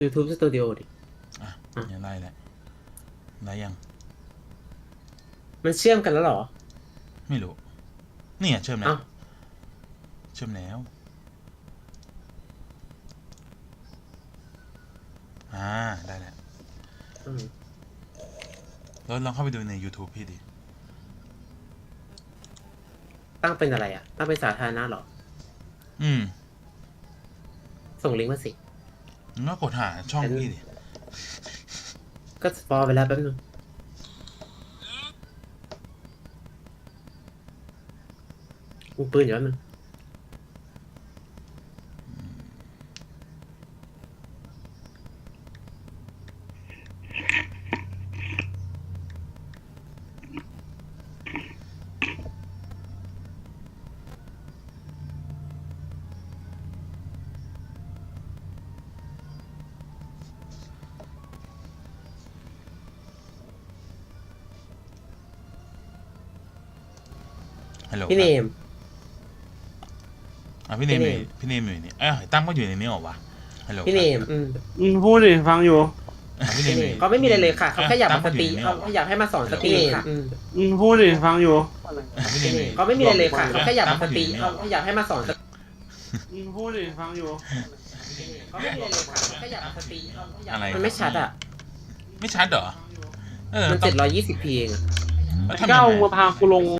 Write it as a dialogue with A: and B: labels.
A: YouTube Studio ดิ
B: อ่ะยังไล่แหละได้ยัง
A: มันเชื่อมกันแล้วเหรอ
B: ไม่รู้เนี่ยเชื่อมแล้ว
A: เอ้า
B: เชื่อมแล้วได้แล้ว
A: อืม
B: แล้วลองเข้าไปดูใน YouTube พี่ดิ
A: ตั้งเป็นอะไรอ่ะ ตั้งเป็นสาธารณะเหรอ
B: อืม
A: ส่งลิงก์มาสิ
B: งั้นก็กดหาช่องพี่ดิ
A: ก็สปอยไปแล้วแป๊บนึงกูปืนอยู่แป๊บนึง
B: ฮัลโหล
A: พี่เนม
B: พี่เนม
A: พี่เนม
B: อยู่นี่ตั้งก็อยู่ในนี้หรอวะฮัลโหล
A: พี่เนม
C: พูดดิฟังอยู่
B: พี่เน
A: พี่
B: ม
A: เนมเขาไม่มีอะไรเลยค่ะ เขาแค่อยากมาสตรี
B: ตั้ง
A: เขา
B: ก็อยู่ในนี้หรอ
A: อยากให้มาสอนสตรีค่ะ
C: พูดดิฟังอยู่
B: พี่เนม
A: เขาไม่มีอะไรเลยค่ะ เขาแค่อยากมาสตรีเขาอยากให้มาสอนสตรี
C: พูดดิฟังอยู่
A: เขาไม่มีอะไรเลยค่ะเขาแค่อยากมาสตรีเขาอยาก
B: อะไร
A: มันไม่ชัดอ่ะ
B: ไม่ชัดเหรอ
A: มัน720p เองอะ
B: แล้วทำยังไง
C: เก้ามาพากูลง